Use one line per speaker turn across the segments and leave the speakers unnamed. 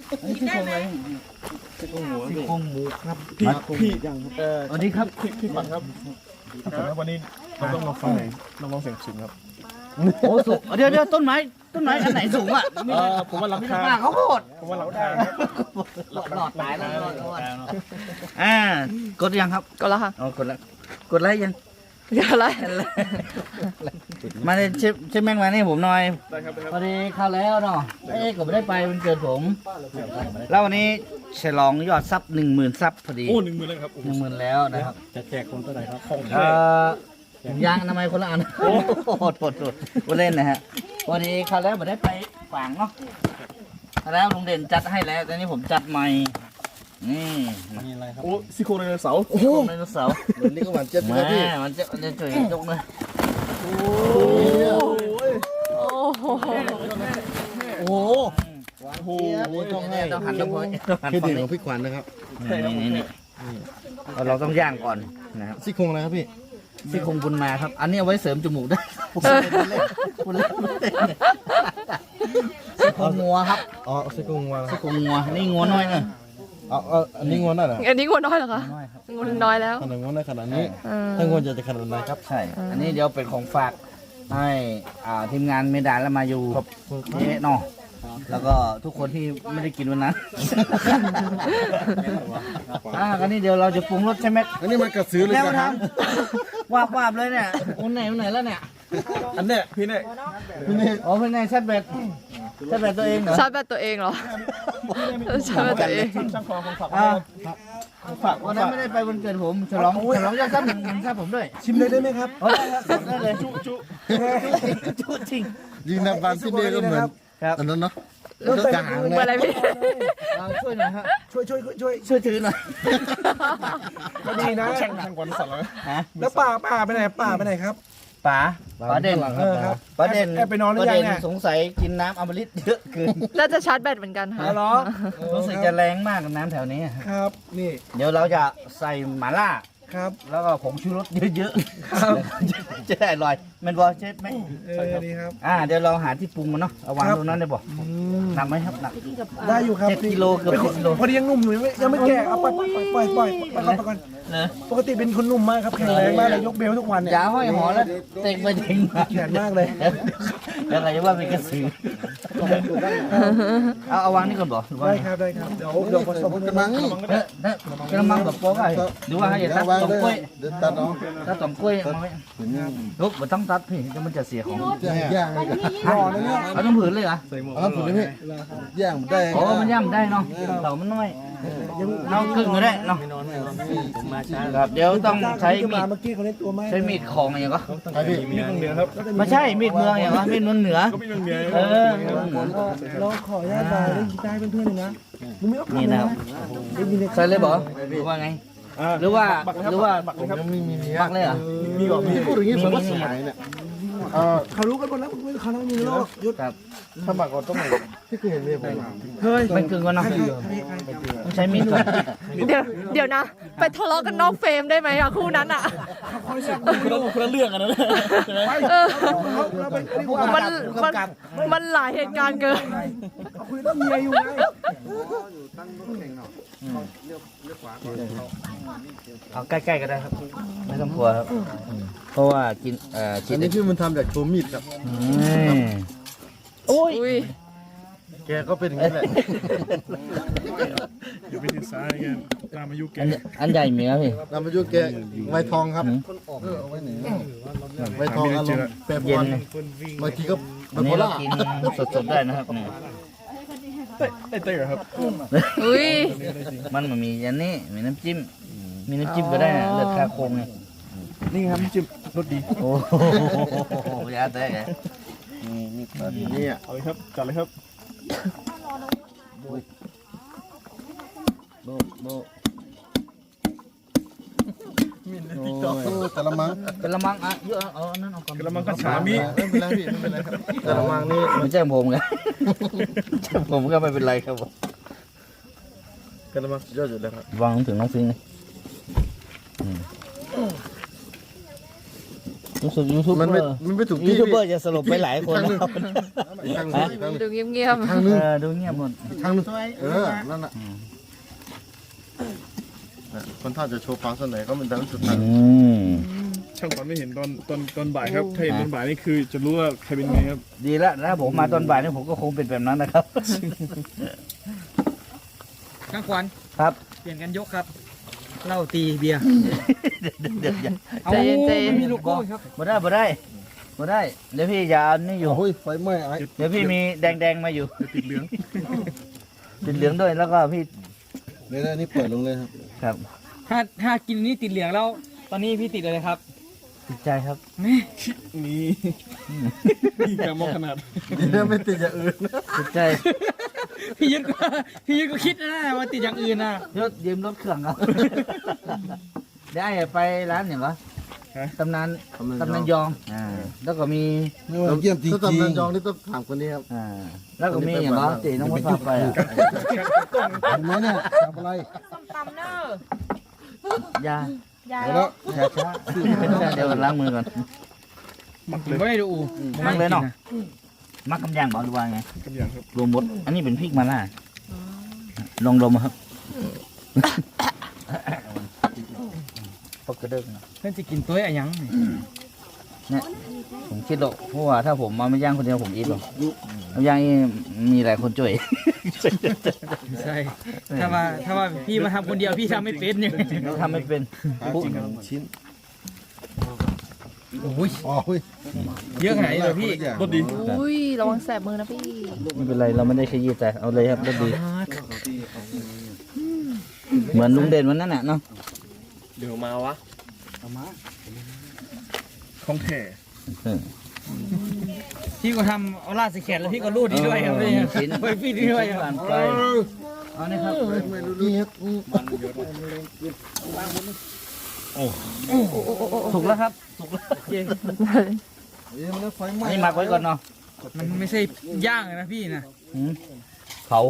อันนี้ซี่โครงอะไร
ซี่โครงหมู
ซี่โครงหมูครับ
พี่ยัง
สวัสดีครับ
พี่ปันครับวันนี้เราต้องลองฟังไหนลองเสียงสูงครับ
โอ้สูงเดี๋ยวต้นไม้อันไหนสูงอ่ะ
ผมว่ารา
มี
คา
ป้าเขาโคตร
ผมว่าเราได้ครับ
หลอดตายแล้วกดยังครับ
ก็แล้วค่ะ
อ๋อกดไลค์ยัง
อะไร
มาเลยเชฟแม่งมานี่ผมหน่อย
ได้ครับ
พอดีเข้าแล้วเนาะก็ไม่ได้ไปมันเกิดผมแล้ววันนี้ฉลองยอดซับ10,000 ซับพอดี
โอ้10,000แล้วครับ
10,000แล้วนะครับ
จะแจกคนเท่าไหร่ครับของ
ผมยางทำไมยคนละอันโหดกูเล่นนะฮะวันนี้เข้าแล้วไม่ได้ไปฝังเนาะแล้วลุงเด่นจัดให้แล้วแต่นี้ผมจัดใหม่นี่
มีอะไรครับโอ้ซี่โครงไดโนเสาร์
โอ้โหไดโนเสาร์
วันนี้ก็หวานเจี๊ยบเลยพี่
มันจะช่วยยกเลย
โอ้โห
โอ้โห
โอ้โห
ต้องหันต้องหัน
เครดิตของพี่ขวัญนะครับ
นี่เราต้องย่างก่อนนะครับ
ซี่โครงอะไรครับพี่
ซี่โครงบุญมาครับ อันนี้เอาไว้เสริมจมูกได้คุณเล่นซี่โครงงัวครับ
อ๋อซี่โครงวาง
ซี่โครงงัวนี่งัวน้อยเนอะ
เอาอันนี้งวนได้เหรอ
อันนี้งวน้อยเหรอคะงวน้อยแล้ว
ขนาดงวนได้ขนาดนี้
เออ
ถ้างวนจะขนาดไหนครับ
ใช่ อันนี้เดี๋ยวเป็นของฝากให้ทีมงานเมดานและมาอยู่นี่เนาะแล้วก็ทุกคนที่ไม่ได้กินวันนั้นกันนี้เดี๋ยวเราจะปรุงรสใช่ไหม
อันนี้มันกระสือเลย
แล้ว
นะค
ท
รับ
ำวาบเลยเนี่ยอุ่นไหนแล้วเนี่ย
อันเนี้ยพี่เนี่ย
อ๋อเป็นไงชัดเบ็ดตัวเองเหรอ
ชาร์จแบตตัวเองเหรอชาร์จแบตตัวเอง
ช่างคอของฝาก
ฝากวันนั้นไม่ได้ไปวันเกิดผมฉลองยอดซับ1,000 ซับผมด้วย
ชิมเลยได้ไหมครับ
ได้เลยจุจริง
ยิงน้ำบานที่นี่ก็เหมือน
ครับ
อันนั้นเนาะกลาง
เหมือน
เล
อะไร
ย
พี่
ช่วยหน่อยฮะ
ช่วย
ช่วยถือหน่อย
ก็ดีนะช่างกวนสัตว์แล้ว
ฮะ
แล้วป่าไปไหนครับ
ป๋าเด่น
ครับ
ป๋าเด่น
แอบไปนอนหรือยังเนี่ย
สงสัยกินน้ำอมฤตเยอะเกิน
น่าจะชาร์จแบตเหมือนกันค่ะ
เหรอ
รู้สึกจะแรงมากกับน้ำแถวนี้
ครับนี่
เดี๋ยวเราจะใส่หม่าล่า
ครับ
แล้วก็ผงชูรสเยอะๆจะได้อร่อยแมันบอเชฟไหม
ดีครับ
เดี๋ยวเราหาที่ปรุงมันเนาะเอาวางตรงนั้นได้บ่หนักไหมครับหนัก
ได้อยู่ครับ
7 กิโลเกือบ10 กิโล
พอดียังหนุ่มอยู่ยังไม่แก่เอาปล่อยไปก่อน
เนอะ
ปกติเป็นคนหนุ่มมากครับแข็งแรงมากเลยยกเบลทุกวันเนี่ย
อย่าห้อยหอแล้วเต็งไปเต็งมา
แข็งมากเลย
แล้วอะไรจะว่าเป็นกระสือเอาวางนี่ก่อนบ่หรือว่า
ได้ครับเดี๋ยวผสม
กระมังนี่
กระมังแบบโป๊กไอ้หรือว่าให้ตัด
วาง
ตอม
เลย
กล้วย
เดี๋ยวตัดเอา
ตัดตอมกล้วยมาไว้ลุกมันต้องตัดพี่จะมันจะเสียของ
จะให้ย่างเลยกัน
เอาต้องผืนเลยเหรอ
เอาผมนี่ย่างได้
โอ้มันย่ำได้เนาะเต่ามันน้อยน้องครึ่งก็ได้เนาะครับเดี๋ยวต้องใช้มีด
เมื่อกี้เขาเล่นตัวไม้
ใช้มีดของอย่างก็
ใช่พี่
มีตรงเหนือครับ
ไม่ใช่มีดเมืองอย่างก็มีดเมืองเหนือ
ก็มีตรงเหนือ
เรา
ขออนุญาตไปเล่นกีตาร์เพื่อนๆเลยนะมึงไม่ต้อง
นี่นะครับ
ได้ยินเลย
ใส่เลยบ่หรือว่าไงหรือว่า
บักเลยครับ
มี
ปักเลยเหรอ
มีก่อนมี
พูดอย่างนี้ผมว่าสมัยเนี่ย
เขารู้กันหมดแล้วเขาต้องมีโลกยุด
ครับ
ถ้าหมักก่อนต้องไหนพี่เคยเห็นเมียผม
เฮ้ย
ไม่กึ่งกันเนาะต้องใช้มีดก่อน
เดี๋ยวนะ ไปทะเลาะกันนอกเฟรมได้ไหมอะคู่นั้นอะ
คนละเรื่องกันนะใช่ไหม
เออ
เราเป็น
มันหลายเหตุการณ์เกิน
คุยเรื่องเมียอยู่ไง
เอาใกล้ๆก็ได้ครับไม่ต้องกลัวครับเพราะว่ากินกิ
อั
น
นนี้พี่มันทำจากโชว์มีดครับ
โอ้ย
อุ้ย
แกก็เป็นอย่างนี้แหละ
เดี๋ยวไปติดสายกันตามอายุแก
อันใหญ่มีครับพี่
นำมายุแกไวทองครับไวทองอารมณ์แปรปร
เย็
วน น
เลย
บางทีก็
อันนี้เรากินสดๆได้นะครับเนี่ย
เต้เหรอครับ
อุ้ย
มันมีอันนี้มีน้ำจิ้มก็ได้นะเลือดคาโคงไง
นี่ครับจิ้มรสดี
โอ้โหยาแตกไง
นี่อ่ะ
เอาเลยครับจัดเลยครับ
โบโบ
โอ้แต่ละมัง
กระมังเยอะเอาอันนั้นเอาก่อน
กระมังกระฉามี
ไม่เป็นไรพี่ไม่เป็นไรครับแต่ละมังนี่
ไม่ใช่ผมไงใช่ผมก็ไม่เป็นไรครับผม
แต่ละมังยอดอยู่แล้วครับ
วางถึงน้องฟิงเลยรู้สึกยูทูบเบ
มัน
อ
ไม่
ร์
มันไม่ถูก
ยู
ที่
ทูบเบอ
พี่
ร์จะสลบไปหลายคนนะครับ
ทางนึง
ดูเงียบ
ทางนึง
ดูเงียบหมด
ทางนึงนั่นน่ะคนท่าจะโชว์ความสนไหนก็เป็นดังสุดทาง
ช่างขวัญไม่เห็นตอนบ่ายครับ ถ้าเห็นตอนบ่ายนี่คือจะรู้ว่าใครเป็นไงครับ
ดีแล้วถ้าผมมาตอนบ่ายนี่ผมก็คงเป็นแบบนั้นนะครับ
ข้างขวัญ
ครับ
เปลี่ยนกันยกครับเหล้าตีเบียร์
เดี๋ยวอย่า
ๆใจเย็นใจเย็น
ไม่มีลูกโก้ครับ
บ่ได้บ่ได้บ่ได้เดี๋ยวพี่ยาวนี่อยู่
โอ้ยไฟไหม้ไอ้
เดี๋ยวพี่มีแดงๆมาอยู่
ติดเหลือง
ติดเหลืองด้วยแล้วก็พี่
เดี๋ยวนี่เปิดลงเลยครับ
ครับ
ถ้ากินนี่ติดเหลืองแล้ว ตอนนี้พี่ติดอะไรครับ
ติดใจครับ
นี่นี่แกมองขนาด
เดี๋ยวไม่ติดอย่างอื่น
ติดใจ
พี่ยึดก็คิดนะว่าติดอย่างอื่นนะ
รถยืมรถเครื่องเอาได้ไปร้านเนี่ยเหรอตำนานยองแล้วก็มี
เยี่ยมจริงๆถ้าตำนานยองนี่ต้องถามคนนี้ครับ
แล้วก็มีอย่างเหรอตีน้องมดพาไปอ่ะ
เห็นไหมเนี่ยทำอะไร
ส้มตำเนอะ
ยา
ยาย
เดี๋ยวแล้ว
ช้าเดี๋ยวล้างมือก่อน
มัก
ผ
เล
ม
ย
ไม่ได้ดู
มักเลยเนาะมักกำยางบอกดูว่าไง
กันอย่างครับ
รวมหมดอันนี้เป็นพริกมาล่าลองดมครับพกกระเด้ง
เพื่อนจะกินตัวอะไรยัง
ผมคิดหรอกเพราะว่าถ้าผมมาไม่ย่างคนเดียวผมอิ่มหรอกมาย่างนี่มีหลายคนช่วย
ใช่ถ้าว่าพี่มาทำคนเดียวพี่ทำไม่เป็นเนี่ย
เราทำไม่เป็น
จริงชิ้น
โอ้ย
อ๋อเฮ้ย
เยอะขนาดนี้เลยพี่
รสดี
อุ้ยระวังแสบมือนะพี่
ไม่เป็นไรเราไม่ได้ขยี้ใจเอาเลยครับรสดีเหมือนลุงเด่นวันนั้นน่ะเนาะ
เดี๋ยวมาวะของแท้
พี่ก็ทำเอาลาดใส่แขนแล้วพี่ก็รูดนี่ด้วยครับพี่
ชิ้น
ไปพี่นี่ด้วยครับ
ผ่านไปเอานี่ครับ
นี่ครับ
ถูกแล้วครับถูกแล้ว
เดี๋ยวมันไฟไหม้
อันนี้หมักไว้ก่อนเนาะ
มันไม่ใช่ย่างนะพี่นะ
เผา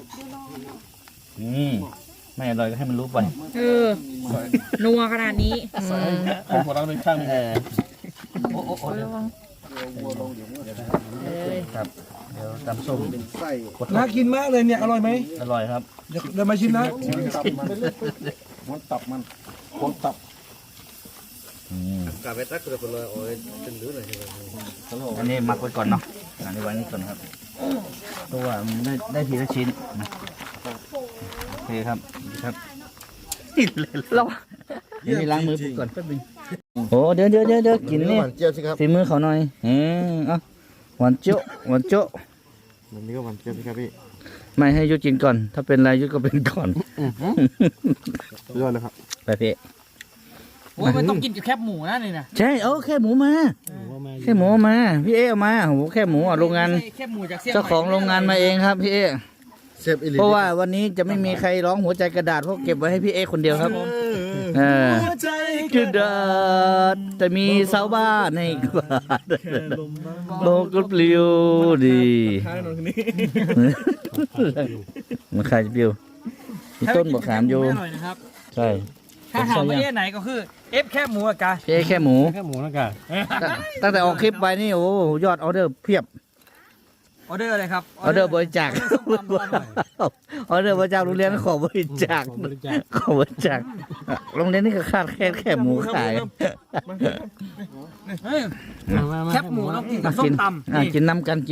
ไม่อร่อยก็ให้มันรู้ไป
เออ นัวขนาดนี้
ของหัวเราเป็นข้างหนึ่ง
ระวัง
ครับเดี๋ยวตำส้ม
ไส้
น่ากินมากเลยเนี่ย อร่อยไหม
อร่อยครับ
เดี๋ยวมาชิมนะ
มันตับมันคนตับ
อันนี้หมักไว้ก่อนเนาะอันนี้ไว้นี่ก่อนครับเพราะว่ามันได้ทีละชิ้นนะโอเคครับดีครับ
ระวัง
เดี๋ยวนี้ล้างมือก่อนแป๊บนึงโอ้เดี๋ยวกินนี่
หวานเจี๊ยบสิครับ
ฝีมือเขาหน่อยเอาหวานเจ๊ะหวานเจ๊ะ
มันนี่ก็หวานเจี๊ยบสิครับพี่
ไม่ให้ยุดกินก่อน ถ้าเป็นไรยุดก็เป็นก่อน
ยอดเลยครับ
ไปพี่
โอ้ยมันต้องกินกับแคบหมูนะนี่นะ
ใช่แค่หมูมาแค่หมูมาพี่เอ๊เอามาโอ้โหแค่หมูอ่ะโรงงาน
ไม่ใช่แคบหมูจากเสี่ยง
เจ้าของโรงงานมาเองครับพี่เอ๊
เซฟอิลิ
เพราะว่าวันนี้จะไม่มีใครร้องหัวใจกระดาษเพราะเก็บไว้ให้พี่เอ๊คนเดียวครับกระดาษจะมีเสาบ้านในกวาดโลกก็ปลิวดี
ท้ายนอนคนนี้
มันใครจะปลิวมีต้นบอกขามอยู่
ไม่อร่อยนะครับ
ใช่
ถ้าถามว่าเอ๊ะไหนก็คือเอฟแคบหมูอะกะ
พี่เอ๊แค่หมู
แค่หมูแล้วกัน
ตั้งแต่ออกคลิปไปนี่โอ้โหยอดออเดอร์เพียบ
ออเดอร์อะไรครับ
ออเดอร์บริจาคออเดอร์บริจาคโรงเรียนขอบริจาคขอบริจาคโรงเรียนนี่ก็ขาดแค่หมูขาย
เฮ้ยแคบหมูต้องกินกับส้
กิ
ม
น
ตำ
กินน้ำกัน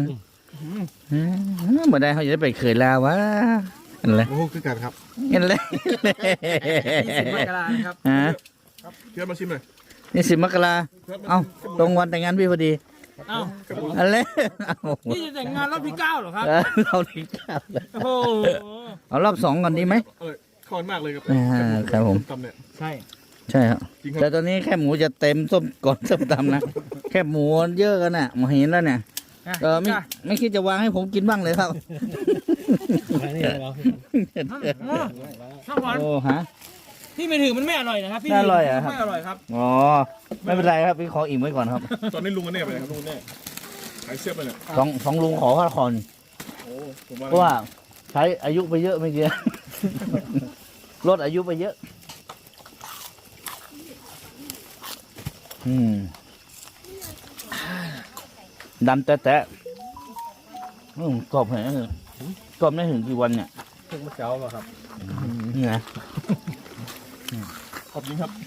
เมื่อใดเขาจะได้ไปเขยลาวะเห็นเลย
โอ้โหคือกันครับ
เห็นเลย
20 มกรานะครับ
ฮะ
เพื่อนมาชิมหน่อย
นี่10 มกราเอ้าตรงวันแต่งงานพี่พอดี
เอ้า
อะไรเอ้า
นี่จะแต่งงานรอบที่9เหรอครับ
เราที่เก้า
โอ้โห
อ
รอบ2ก่อนดีไหม
ร่อยคอนมากเลยครับ
ครับผม
ตำเนี่ย
ใช่
ใช่ครับ
จริงครับ
แต่ตอนนี้แค่หมูจะเต็มส้มก่อนส้มตำนะ แค่หมูเยอะกันน่ะมาเห็นแล้วเนี่ยไม่คิดจะวางให้ผมกินบ้างเลยครับ
ช่างวัน
โอ้ฮะ
พี่ไม่ถือมันไม่อร่อยนะครับพี่
ไม่อร่อยเหรอครับ
ไม่อร่อยครับ
อ๋อไม่เป็นไรครับพี่ขออิ่มไว้ก่อนครับ
ตอนนี้ลุงกันเนี่ยไปไหนครับลุงเนี่ยหายเสียบไปเนี่ย
สองลุงขอค่าคอน
โอ้ผม
เพราะว่าใช้อายุไปเยอะไม่เยอะ ลดอายุไปเยอะ
อ
ดำแตะกรอบแหงกรอบได้ถึงกี่วันเนี่ย
เพิ่งมาเช้าป่ะครับ
นี่นะ
ขอบคุณครับ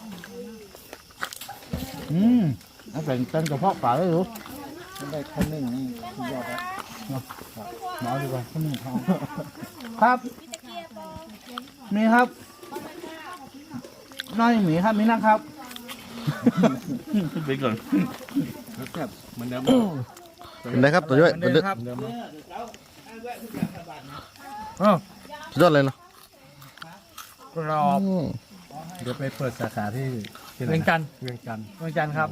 เอาเป็นต้นกระเพาะปลาได้หรือ
ได้ข้าวนึ่งนี่ยอดแล้ว
มาดีกว่าข้าวหนึ่งครับมีครับน้อยหมีครับมีนะครับไปก่อน
เหมือนเดิม
เป็นไรครับตัวย่อย
เหมือนเดิมครับ
เหมือนเดิม
สุดยอดเลยเนาะ
กรอบ
เดี๋ยวไปเปิดสาขาที่ไหน
เวียงจันทร์
เวียงจันทร์
เวียงจันทร์ครับ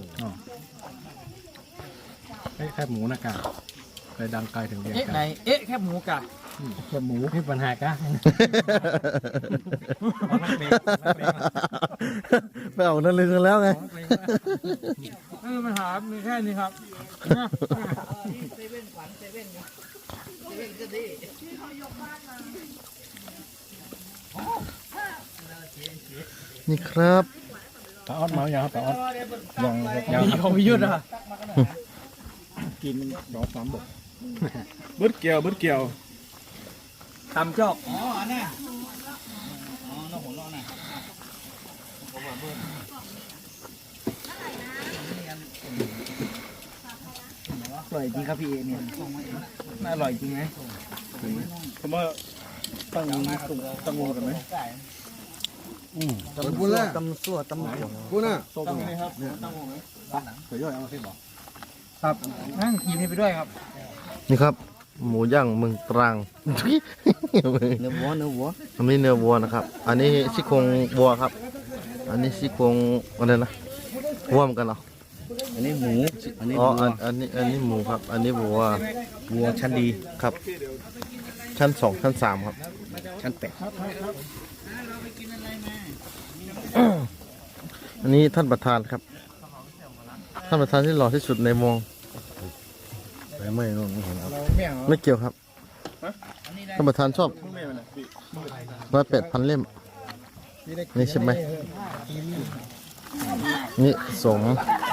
แค่หมูนะกะไปดังไกลถึงเวียง
เอ๊ะ
จัน
ไหน
ทร์
เอ๊ะแคบหมูกะ
แค่หมูที่ปัญหากะ
ไปเอานั่นเลยกันแล้วไง
ไม่มีปัญหามีแค่นี้ครับ
นี่ครับ
ปลาออดเมาอย่างครับปลาออดยังยัง
มีของพิยุทธ์อะ
กินดอก3 บก
เบิดเกี่ยว
ตำจอก
อ๋อน่ะอ๋อน้องหัวเราะน่ะ
อร่อยจริงครับพี่เอเนี่ยน่าอร่อยจริงไหม
ผมว่าตั้งงูกันไหม
ตำบุญแล้ว
ตำสั่วตำหมู
บุญน่ะ
ตั้งไหมครับ
ตัวย่อยเอาที่บอก
ครับนั่งกินให้ไปด้วยครับ
นี่ครับ หมูย่างเมืองตรัง
เนื้อวัว
อันนี้เนื้อวัวนะครับ อันนี้ซี่โครงวัวครับ อันนี้ซี่โครงอะไรนะวัวเหมือนกันเหรอ
อันนี้หมูอันนี้
อ๋อ
วัว
อันนี้หมูครับ อันนี้วัว
วัวชั้นดี
ครับ ชั้น 2 ชั้น 3 ครับ
ชั้นแปด
อันนี้ท่านประธานครับ ท่านประธานที่หล่อที่สุดในเมอง
ไม่รู้ไม่เห็นครับ
ไม่เกี่ยวครับ ท่านประธานชอบ108,000 เล่ม นี่ใช่ไหม นี่สม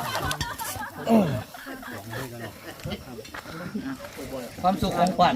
ความสุขของขวัญ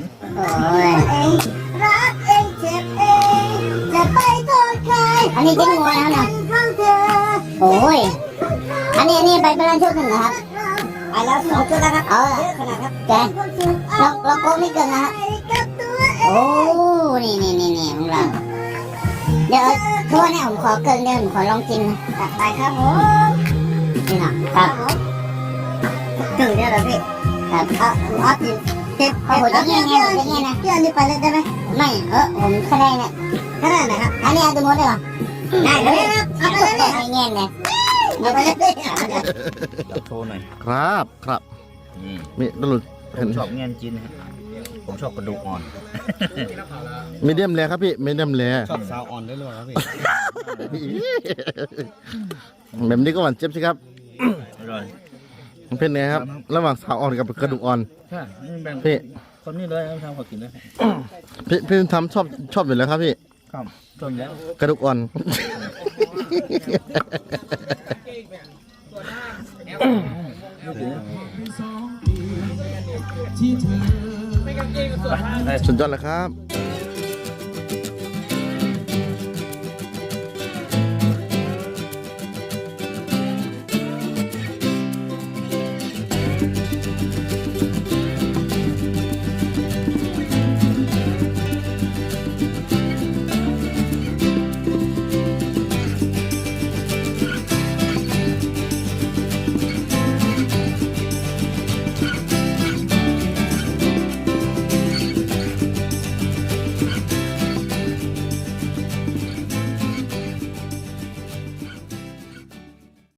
รักเองเจ็บเองจะไปโทษใครอันนี้เจ๊งงัวแล้วนะโอ้ยอันนี้ไปเป็นชุดหนึ่งนะครับไปแล้ว2 ชุดแล้วครับขนาดครับแกเราโกงไม่เกินนะครับโอ้นี่ของเราเดี๋ยวทั่วเนี่ยผมขอเกินเดี๋ยวผมขอลองกินนะไปครับผมนี่นะครับถึงเนี่ยเหรอพี่ครับเอากินเอาหัวจะเงี้ยนะพี่อันนี้ไปเลยได้ไหมไม่ผมแค่ได้เนี่ยแค่ได้นะครับอันนี้เอาดูหมดเลยเหรอได้เลยครับเอาไปเลยไม่เงี้ยเนี่ยเอาไปเลย
โชว์หน่อย
ครับครับ
นี่
มีตลุด
ผ
เห็น
มชอบเงี้ยจีนนะฮะผมชอบกระดูกอ่อน
มีเดียมแรครับพี่มีเดียมแร
ชอบสาวอ่อนได้เลยครับพี่
แบบนี้ก็หวานเจี๊ยบสิครับ
อร่อย
มันเป็นไงครับ ระหว่างสาวอ่อนกับกระดูกอ่อน
ใช่นี่แบ่ง
พี่
คนนี้เลยเอาทำขอกินเลย
พี่ทำชอบอยู่แล้วครับพี่
ครับจนแล้ว
กระดูกอ่อน สุดยอดเลยครับ